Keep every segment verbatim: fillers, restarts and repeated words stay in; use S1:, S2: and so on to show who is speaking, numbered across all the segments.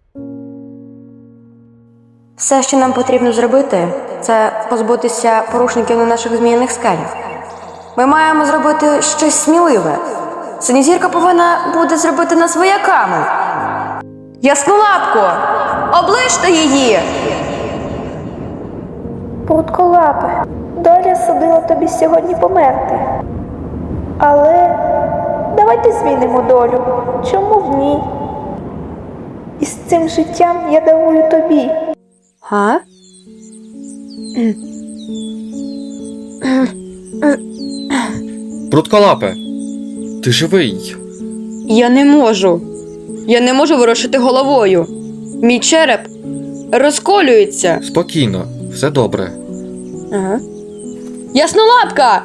S1: Все, що нам потрібно зробити, це позбутися порушників на наших зміїних скелях. Ми маємо зробити щось сміливе. Синьозірка повинна буде зробити нас вояками. Яснолапко! Оближте її!
S2: Прутколапе, доля судила тобі сьогодні померти. Але давайте змінимо долю. Чому в ній? І з цим життям я дарую тобі.
S1: Га?
S3: Прутколапе, ти живий.
S1: Я не можу. Я не можу ворушити головою. Мій череп розколюється.
S3: Спокійно, все добре.
S1: Ага. Яснолапка!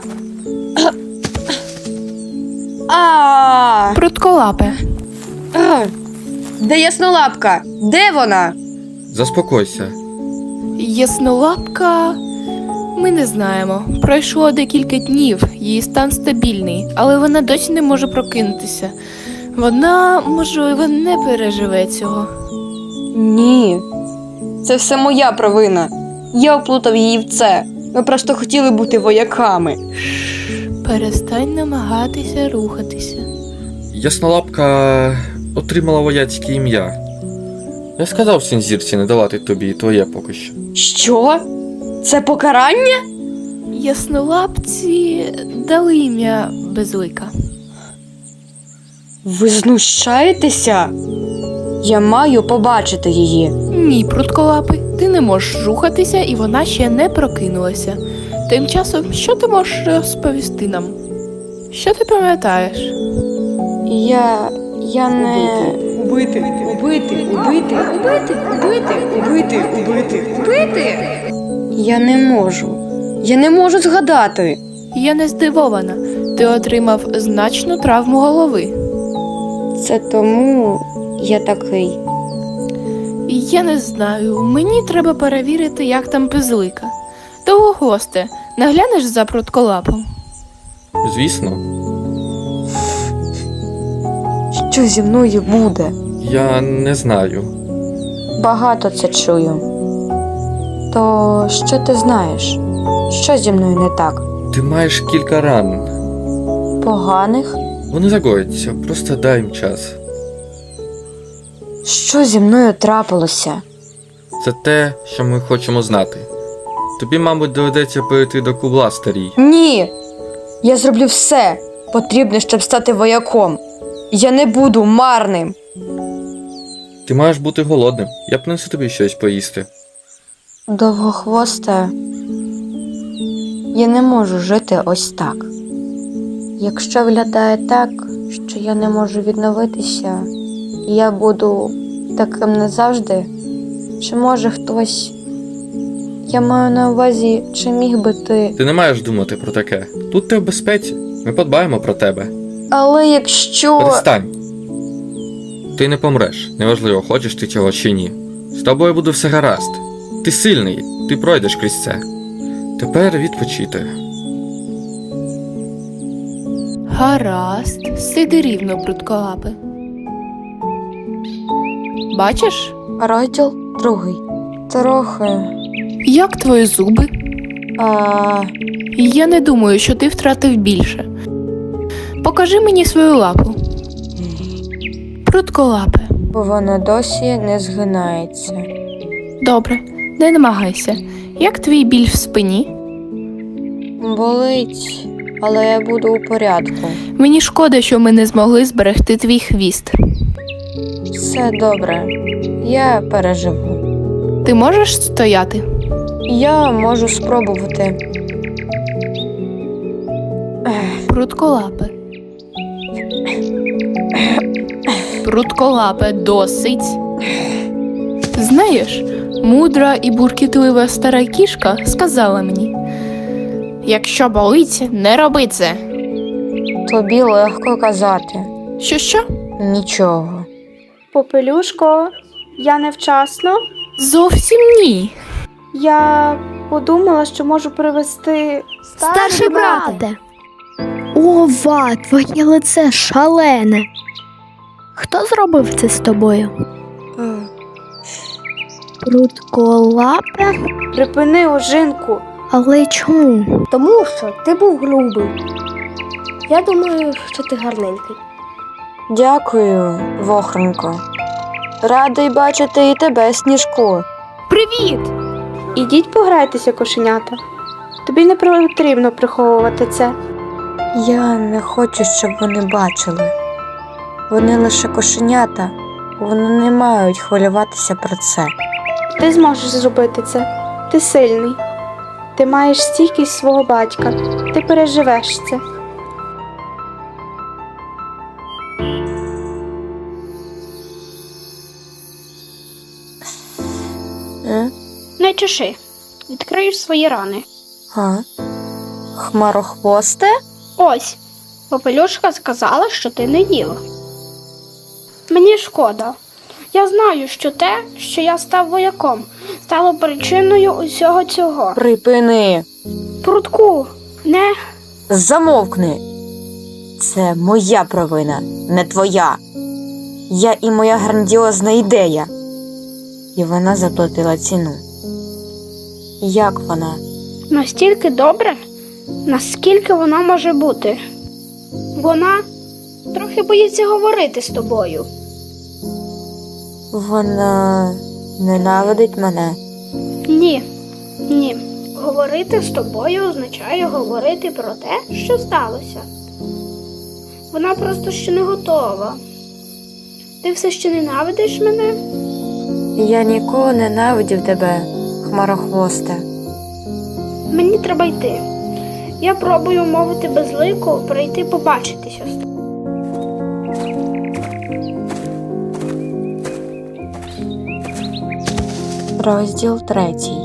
S1: А!
S4: Прутколапе,
S1: А! Де Яснолапка? Де вона?
S3: Заспокойся.
S4: Яснолапка... Ми не знаємо. Пройшло декілька днів, її стан стабільний, але вона досі не може прокинутися. Вона, можливо, не переживе цього.
S1: Ні. Це все моя провина. Я оплутав її в це. Ми просто хотіли бути вояками.
S4: Перестань намагатися рухатися.
S3: Яснолапка отримала вояцьке ім'я. Я сказав Синьозірці не давати тобі твоє поки що.
S1: Що? Це покарання?
S4: Яснолапці дали ім'я Безлика.
S1: Ви знущаєтеся? Я маю побачити її.
S4: Ні, Прутколапи, ти не можеш рухатися, і вона ще не прокинулася. Тим часом, що ти можеш розповісти нам? Що ти пам'ятаєш?
S1: Я... я не...
S5: Убити, убити, убити, убити, убити, убити, убити, убити.
S1: Я не можу. Я не можу згадати.
S4: Я не здивована. Ти отримав значну травму голови.
S1: Це тому я такий.
S4: Я не знаю, мені треба перевірити, як там Безлика. Довгохвосте, наглянеш за Прутколапом?
S3: Звісно,
S1: Що зі мною буде?
S3: я не знаю.
S1: Багато це чую. То що ти знаєш? Що зі мною не так?
S3: Ти маєш кілька ран.
S1: Поганих?
S3: Вони загояться, просто дай їм час.
S1: Що зі мною трапилося?
S3: Це те, що ми хочемо знати. Тобі, мабуть, доведеться перейти до кубла, старій.
S1: Ні! Я зроблю все потрібне, щоб стати вояком. Я не буду марним.
S3: Ти маєш бути голодним. Я принесу тобі щось поїсти.
S1: Довгохвоста, я не можу жити ось так. Якщо виглядає так, що я не можу відновитися, і я буду таким назавжди, чи може хтось... Я маю на увазі, чи міг би ти...
S3: Ти не маєш думати про таке. Тут ти в безпеці. Ми подбаємо про тебе.
S1: Але якщо...
S3: Перестань. Ти не помреш. Неважливо, хочеш ти цього чи ні. З тобою буде все гаразд. Ти сильний, ти пройдеш крізь це. Тепер відпочити.
S4: Гаразд, сиди рівно, Прутколапе. Бачиш,
S1: Розділ другий. Трохи...
S4: як твої зуби?
S1: А...
S4: Я не думаю, що ти втратив більше. Покажи мені свою лапу. Прутколапе.
S1: Вона досі не згинається.
S4: Добре, не намагайся. Як твій біль в спині?
S1: Болить, але я буду у порядку.
S4: Мені шкода, що ми не змогли зберегти твій хвіст.
S1: Все добре. Я переживу.
S4: Ти можеш стояти?
S1: Я можу спробувати.
S4: Прутколапе. Прутколапе, досить. Знаєш, мудра і буркітлива стара кішка сказала мені: якщо болить, не роби це.
S1: Тобі легко казати.
S4: Що-що?
S1: Нічого.
S2: Попелюшко, я невчасно.
S4: Зовсім ні.
S2: Я подумала, що можу привезти...
S6: Старший брате. Ова, твоє лице шалене. Хто зробив це з тобою?
S1: Е,
S6: Прудколапе?
S2: Припини, ожинку.
S6: Але чому?
S7: Тому що ти був грубий. Я думаю, що ти гарненький.
S1: Дякую, Вохронько. Радий бачити і тебе, Сніжку.
S4: Привіт!
S2: Ідіть пограйтеся, кошенята. Тобі не потрібно приховувати це.
S1: Я не хочу, щоб вони бачили. Вони лише кошенята, вони не мають хвилюватися про це.
S2: Ти зможеш зробити це. Ти сильний. Ти маєш стійкість свого батька. Ти переживеш це.
S1: Е?
S8: Не чеши. Відкриєш свої рани.
S1: А? Хмарохвосте?
S8: Ось, Попелюшка сказала, що ти не їла. Мені шкода. Я знаю, що те, що я став вояком, стало причиною усього цього.
S1: Припини!
S8: Прудку, не...
S1: Замовкни! Це моя провина, не твоя. Я і моя грандіозна ідея. І вона заплатила ціну. Як вона?
S8: Настільки добре, наскільки вона може бути. Вона трохи боїться говорити з тобою.
S1: Вона ненавидить мене.
S8: Ні, ні. Говорити з тобою означає говорити про те, що сталося. Вона просто ще не готова. Ти все ще ненавидиш мене?
S1: Я ніколи ненавидів тебе, хмарохвосте.
S8: Мені треба йти. Я пробую умовити безлику прийти побачитися з тобою.
S1: Розділ третій.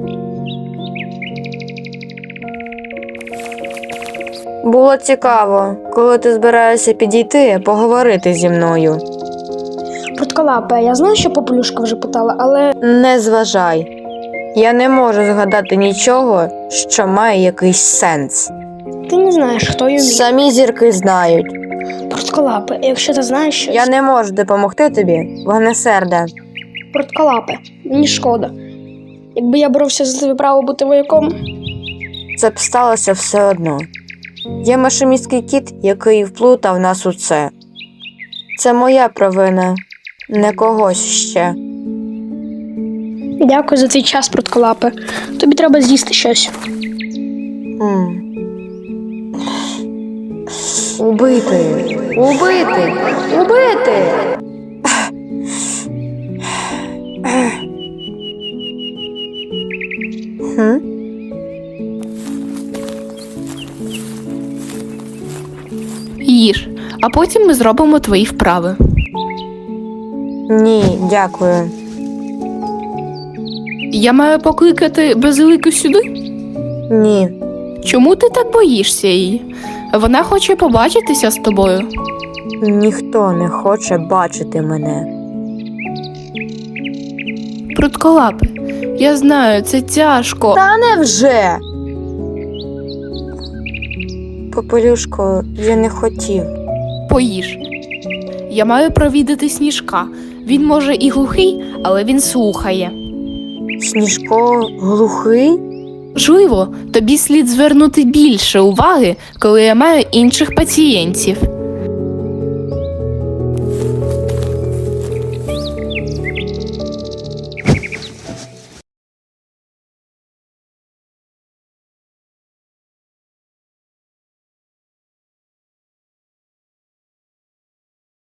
S1: Було цікаво, коли ти збираєшся підійти, поговорити зі мною.
S7: Прудколапе, я знаю, що Попелюшка вже питала, але
S1: Не зважай. Я не можу згадати нічого, що має якийсь сенс.
S7: ти не знаєш, хто її.
S1: Самі зірки знають.
S7: Прудколапе, якщо ти знаєш щось.
S1: Я не можу допомогти тобі, вогнесерде.
S7: Прудколапе, мені шкода. Якби я боровся за твоє право бути вояком,
S1: Це б сталося все одно. Є машиністський кіт, який вплутав нас у це. Це моя провина, не когось ще.
S7: дякую за твій час, Прудколапе. Тобі треба з'їсти щось.
S1: М. Убити! Убити! Убити! Хм?
S4: Їж, а потім ми зробимо твої вправи.
S1: Ні, дякую.
S4: Я маю покликати Безлику сюди?
S1: Ні.
S4: Чому ти так боїшся її? Вона хоче побачитися з тобою.
S1: Ніхто не хоче бачити мене.
S4: Прудколапе, я знаю, це тяжко.
S1: Та невже? Попелюшко, я не хотів.
S4: Поїж. Я маю провідати Сніжка. Він може і глухий, але він слухає.
S1: Сніжко глухий?
S4: Можливо, тобі слід звернути більше уваги, коли я маю інших пацієнтів.